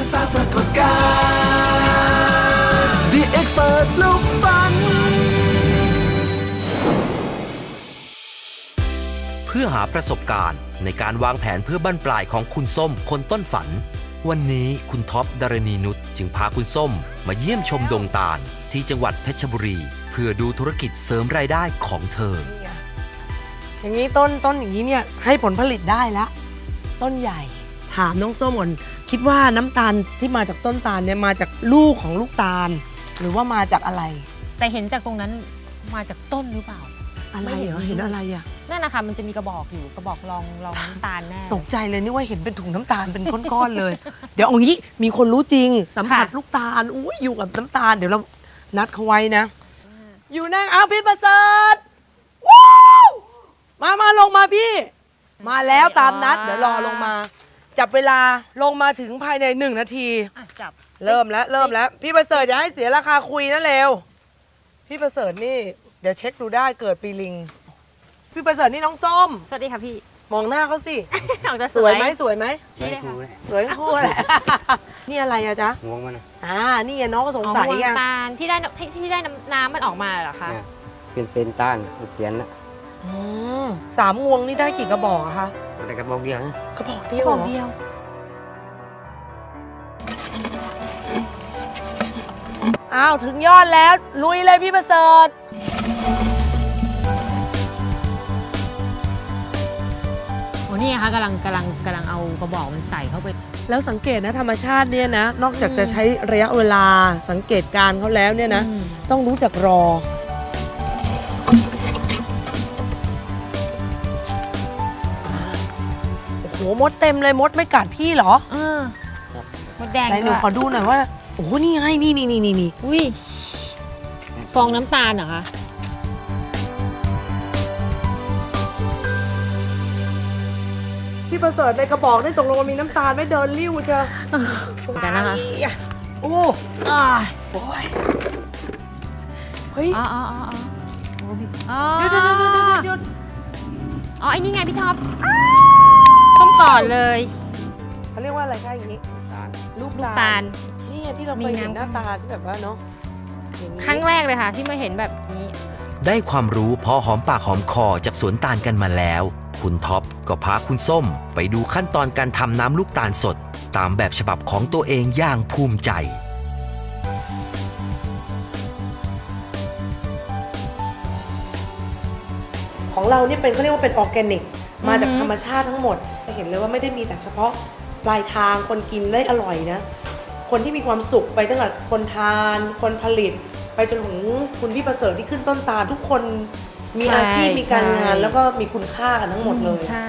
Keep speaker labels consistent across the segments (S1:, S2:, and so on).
S1: สร้างปรากฏการณ์ The Expert ลูกฟัน
S2: เพื่อหาประสบการณ์ในการวางแผนเพื่อบั้นปลายของคุณส้มคนต้นฝันวันนี้คุณท็อปดารณีนุชจึงพาคุณส้มมาเยี่ยมชมดงตาลที่จังหวัดเพชรบุรีเพื่อดูธุรกิจเสริมรายได้ของเธอ
S3: อย่างนี้ต้นอย่างนี้เนี่ยให้ผลผลิตได้แล้วต้นใหญ่ถามน้องส้มก่อนคิดว่าน้ำตาลที่มาจากต้นตาลเนี่ยมาจากลูกของลูกตาลหรือว่ามาจากอะไร
S4: แต่เห็นจากตรงนั้นมาจากต้นหรือเปล่า
S3: อะไรเหรอเห็นอะไรอ่ะ
S4: นั่นนะคะมันจะมีกระบอกอยู่กระบอกรองน้ำตาลแน่
S3: ตกใจเลยนี่ว่าเห็นเป็นถุงน้ำตาลเป็นก้อนๆเลย เดี๋ยวเอางี้มีคนรู้จริงสัมผัสลูกตาลอุ้ยอยู่กับน้ำตาลเดี๋ยวเรานัดเขาไว้นะอยู่นั่งเอาพี่ประเสริฐว้าวมาลงมาพี่มาแล้วตามนัดเดี๋ยวรอลงมาจับเวลาลงมาถึงภายใน1 นาที
S4: จับ
S3: เริ่มแล้วพี่ประเสริฐอย่าให้เสียราคาคุยนะเร็วพี่ประเสริฐนี่เดี๋ยวเช็คดูได้เกิดปีลิงพี่ประเสริฐนี่น้องส้ม
S4: สวัสดีค่ะพี่
S3: มองหน้าเขาสิ
S4: สวยไหม
S3: สวยไหม
S4: ใช่เลยค่ะ
S3: สวยคู่แหละนี่อะไรอะจ๊ะ
S5: งวงมัน
S3: นี่น้องก็สงสัย
S4: ไงตาลที่ได้น้ำมันออกมาเหรอคะ
S5: เป็นต้านเขียนนะ
S3: 3 งวงนี่ได้กี่กระบอกอะคะ
S5: แต่กระบอกเดียวนะ
S3: กระบอกเดียวอ้าวถึงยอดแล้วลุยเลยพี่ประเสริฐ
S4: โอ้นี่ค่ะกำลังเอากระบอกมันใส่เข้าไป
S3: แล้วสังเกตนะธรรมชาติเนี่ยนะนอกจากจะใช้ระยะเวลาสังเกตการเขาแล้วเนี่ยนะต้องรู้จักรอโอ้โหมดเต็มเลยมดไม่กัดพี่เหรอ
S4: มดแดง
S3: ไหนหนูขอดูหน่อยว่าโอ้โหนี่ไงนี่
S4: อุ้ยฟองน้ำตาลเหรอคะ
S3: พี่ประเสริฐในกระบอกได้ตกลงมามีน้ำตาลไม่เดินริ้วเจอ
S4: กันนะคะ
S3: โอ้ยเฮ้ยหยุด
S4: อ๋อไอ้นี่ไงพี่ท็อปส้มก่อนเลย
S3: เขาเรียกว่าอะไรคะอย่างนี้ลูกตาลนี่ที่เราเคยเห็นหน้าตาที่แบบว่าเนาะ
S4: ครั้งแรกเลยค่ะที่มาเห็นแบบนี้
S2: ได้ความรู้พอหอมปากหอมคอจากสวนตาลกันมาแล้วคุณท็อปก็พาคุณส้มไปดูขั้นตอนการทำน้ำลูกตาลสดตามแบบฉบับของตัวเองอย่างภูมิใจ
S3: ของเรานี่เป็นเขาเรียกว่าเป็นออร์แกนิกมาจากธรรมชาติทั้งหมดจะเห็นเลยว่าไม่ได้มีแต่เฉพาะปลายทางคนกินได้อร่อยนะคนที่มีความสุขไปตั้งแต่คนทานคนผลิตไปจนถึงคุณพี่ประเสริฐที่ขึ้นต้นตาลทุกคนมีอาชีพมีการงานแล้วก็มีคุณค่ากันทั้งหมดเลย
S4: ใช่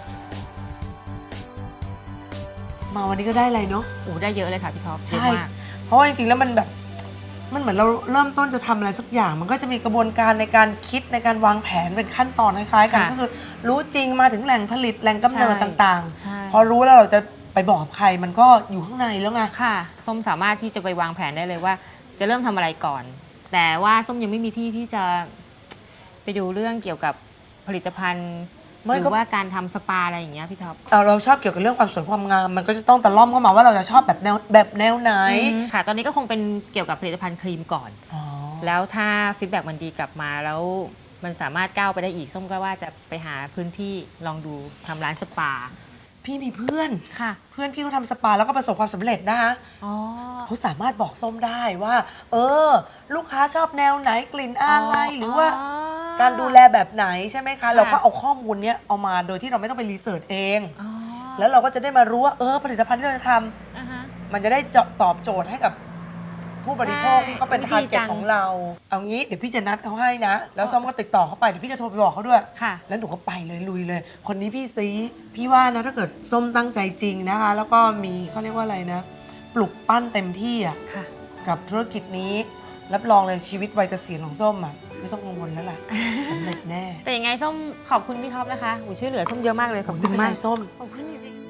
S3: มาวันนี้ก็ได้อะไรเนาะ
S4: โอ้ได้เยอะเลยค่ะพี่ท็อป
S3: ใช่เพราะว่าจริงๆแล้วมันแบบมันเหมือนเราเริ่มต้นจะทำอะไรสักอย่างมันก็จะมีกระบวนการในการคิดในการวางแผนเป็นขั้นตอนคล้ายๆกันก็คือรู้จริงมาถึงแหล่งผลิตแหล่งกำเนิดต่างๆพอรู้แล้วเราจะไปบอกใครมันก็อยู่ข้างในแล้วไง
S4: ค่ะส้มสามารถที่จะไปวางแผนได้เลยว่าจะเริ่มทำอะไรก่อนแต่ว่าส้มยังไม่มีที่จะไปดูเรื่องเกี่ยวกับผลิตภัณฑ์หรือว่าการทำสปาอะไรอย่างเงี้ยพี่ท็อป
S3: เราชอบเกี่ยวกับเรื่องความสวยความงามมันก็จะต้องตะล่อมเข้ามาว่าเราจะชอบแบบแนวไหน
S4: ค่ะตอนนี้ก็คงเป็นเกี่ยวกับผลิตภัณฑ์ครีมก่อนแล้วถ้าฟีดแบ็กมันดีกลับมาแล้วมันสามารถก้าวไปได้อีกส้มก็ว่าจะไปหาพื้นที่ลองดูทำร้านสปา
S3: พี่มีเพื่อน
S4: ค่ะ
S3: เพื่อนพี่เขาทำสปาแล้วก็ประสบความสำเร็จนะคะเขาสามารถบอกส้มได้ว่าลูกค้าชอบแนวไหนกลิ่นอะไรหรือว่าการดูแลแบบไหนใช่ไหมคะเราก็เอาข้อมูลนี้เอามาโดยที่เราไม่ต้องไปรีเสิร์ชเองแล้วเราก็จะได้มารู้ว่าผลิตภัณฑ์ที่เราจะทำมันจะได้ตอบโจทย์ให้กับผู้บริโภคที่เขาเป็นทาร์เก็ตของเราเอางี้เดี๋ยวพี่จะนัดเขาให้นะแล้วส้มก็ติดต่อเขาไปเดี๋ยวพี่จะโทรไปบอกเขาด้วยแล้วหนูก็ไปเลยลุยเลยคนนี้พี่ซีพี่ว่านะถ้าเกิดส้มตั้งใจจริงนะคะแล้วก็มีเขาเรียกว่าอะไรนะปลุกปั้นเต็มที่อ่ะกับธุรกิจนี้รับรองเลยชีวิตวัยเกษียณของส้มอ่ะไม่ต้องกังวลแล้วล่ะสำเร็จแน่
S4: แต่ยังไงส้มขอบคุณพี่ท็อปนะคะช่วยเหลือส้มเยอะมากเลยขอบคุณมาก
S3: ส้ม
S4: ขอบคุณจริง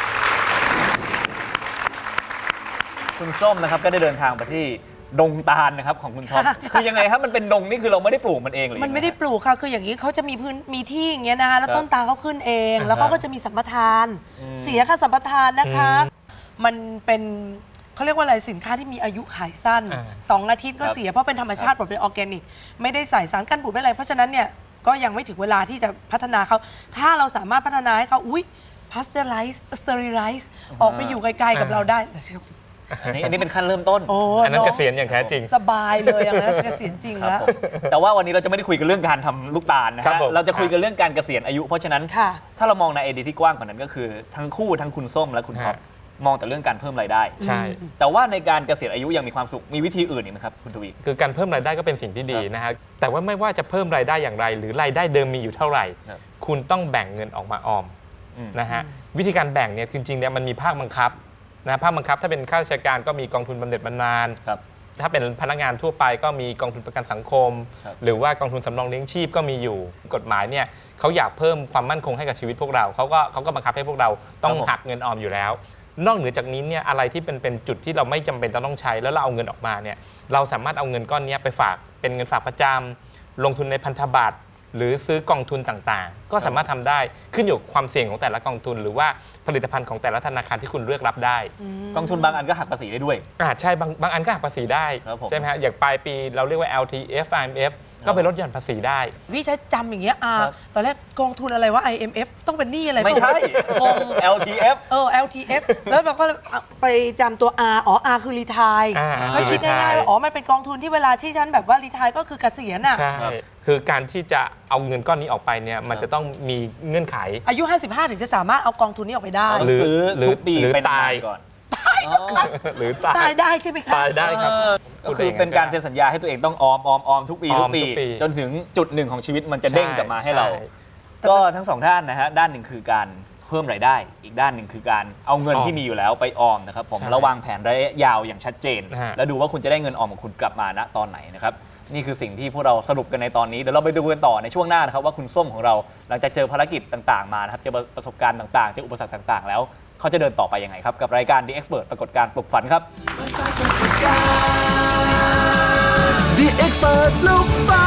S6: คุณส้มนะครับก็ได้เดินทางไปที่ดงตาลนะครับของคุณท็อปคือยังไงครับมันเป็นดงนี่คือเราไม่ได้ปลูกมันเองเลย
S3: มันไม่ได้ปลูกค่ะคืออย่างนี้เขาจะมีที่อย่างเงี้ยนะคะแล้วต้นตาลเขาขึ้นเองแล้วเขาก็จะมีสัมปทานเสียค่าสัมปทานนะคะมันเป็นเขาเรียกว่าอะไรสินค้าที่มีอายุขายสั้น 2 อาทิตย์ก็เสียเพราะเป็นธรรมชาติหมดเป็นออร์แกนิกไม่ได้ใส่สารกันบูดไม่อะไรเพราะฉะนั้นเนี่ยก็ยังไม่ถึงเวลาที่จะพัฒนาเขาถ้าเราสามารถพัฒนาให้เขาพาสเตอร์ไลซ์สเตอริไลซ์ออกไปอยู่ไกลๆกับเราได้
S6: อันนี้เป็นขั้นเริ่มต้น
S7: อันนั้นเกษียณอย่างแท้จริง
S3: สบายเลยอย่างนั้นเกษียณจริง
S6: ครับ
S3: แล้ว
S6: ผมแต่ว่าวันนี้เราจะไม่ได้คุยกันเรื่องการทำลูกตาลนะ
S7: ครั
S6: ฮะ
S7: บผม
S6: เราจะคุยกันเรื่องการเกษียณอายุ เพราะฉะนั้น
S3: ค่ะ
S6: ถ้าเรามองในไอเดียที่กว้างกว่านั้นก็คือทั้งคู่ทั้งคุณส้มและคุณท็อปมองแต่เรื่องการเพิ่มรายได้
S7: ใช่
S6: แต่ว่าในการเกษียณอายุยังมีความสุขมีวิธีอื่นอีกไหมครับคุณทวี
S7: คือการเพิ่มรายได้ก็เป็นสิ่งที่ดีนะฮะแต่ว่าไม่ว่าจะเพิ่มรายได้อย่างไร หรือรายได้เดิมมีอยู่เท่าไหร่
S6: ครับ
S7: คุณต้องแบ่งเงินออกมาออม
S6: อืม
S7: นะฮะวิธีการแบ่งเนี่ยจริงๆเนี่ยมันมีภาคบังคับนะภาคบังคับถ้าเป็นข้าราชการก็มีกองทุนบำเหน็จบำนาญ
S6: ครับ
S7: ถ้าเป็นพนักงานทั่วไปก็มีกองทุนประกันสังคม
S6: ครับ
S7: หรือว่ากองทุนสำรองเลี้ยงชีพก็มีอยู่กฎหมายเนี่ยเขาอยากเพิ่มความมั่นคงให้กับชีวิตพวกเราเขาก็บังคับให้พวกเราต้องหักเงินออมอยู่แล้ว นอกเหนือจากนี้เนี่ยอะไรที่เป็นจุดที่เราไม่จำเป็นต้องใช้แล้วเราเอาเงินออกมาเนี่ยเราสามารถเอาเงินก้อนนี้ไปฝากเป็นเงินฝากประจำลงทุนในพันธบัตรหรือซื้อกองทุนต่างๆ ก็สามารถทำได้ขึ้นอยู่กับความเสี่ยงของแต่ละกองทุน หรือว่าผลิตภัณฑ์ของแต่ละธนาคารที่คุณเลือกรับได้
S6: กองทุนบางอันก็หักภาษีได้ด้วย
S7: ใช่บางอันก็หักภาษีได้
S6: ครับผม
S7: ใช่ไหมฮะอย่างปลายปีเราเรียกว่า LTF IMF ก็ไปลดหย่อนภาษีได้
S3: พี่ใช้จำอย่างเงี้ย
S6: ครับ
S3: ตอนแรกกองทุนอะไรว่า IMF ต้องเป็นหนี้อะไร
S6: ไม่ใช่
S3: งง
S6: LTF
S3: LTF แล้วเราก็ไปจำตัว R อ๋อ R คือรีทาย ก็คิดง่ายๆว่าอ๋อมันเป็นกองทุนที่เวลาที่ฉันแบบว่ารีทายก็คือเกษียณอ่ะ
S7: ใช่ คือการที่จะเอาเงินก้อนนี้ออกไปเนี่ยมันจะต้องมีเงื่อนไข
S3: อายุ 55 ถึงจะสามารถเอากองทุนนี้ออกไปได้
S6: ต้อง
S7: หรือ
S6: ซื้อ
S7: หรือ
S6: ทุกปี
S7: หรือ
S6: เป็น
S7: ตาย
S6: ก่อน
S7: หรือ
S3: ตายได้ใช่ไหมคะ
S7: ตายได้ครับ
S6: ก็คือเป็นการเซ็นสัญญาให้ตัวเองต้องออมทุกปี
S7: ออ
S6: ทุ
S7: ม
S6: กปี
S7: ทุกปี
S6: จนถึงจุดหนึ่งของชีวิตมันจะเด้งกลับมาให้เรา
S7: ใช่
S6: ก็ทั้งสองด้านนะฮะด้านหนึ่งคือการเพิ่มรายได้ อีกด้านหนึ่งคือการเอาเงิน
S7: ออม
S6: ที่มีอยู่แล้วไปออมนะครับผม
S7: ใช่
S6: ระวางแผนระยะยาวอย่างชัดเจน
S7: นะฮะ
S6: แล้วดูว่าคุณจะได้เงินออมของคุณกลับมาณตอนไหนนะครับนี่คือสิ่งที่พวกเราสรุปกันในตอนนี้เดี๋ยวเราไปดูกันต่อในช่วงหน้านะครับว่าคุณส้มของเราหลังจากเจอภารกิจต่างๆมานะครับเจอประสบการณ์ต่างๆเจออุปสรรคต่างๆ แล้วเขาจะเดินต่อไปยังไงครับกับรายการ The Expert ปรากฏการณ์ปลุกฝันครับ
S1: The Expert ลูกฟัน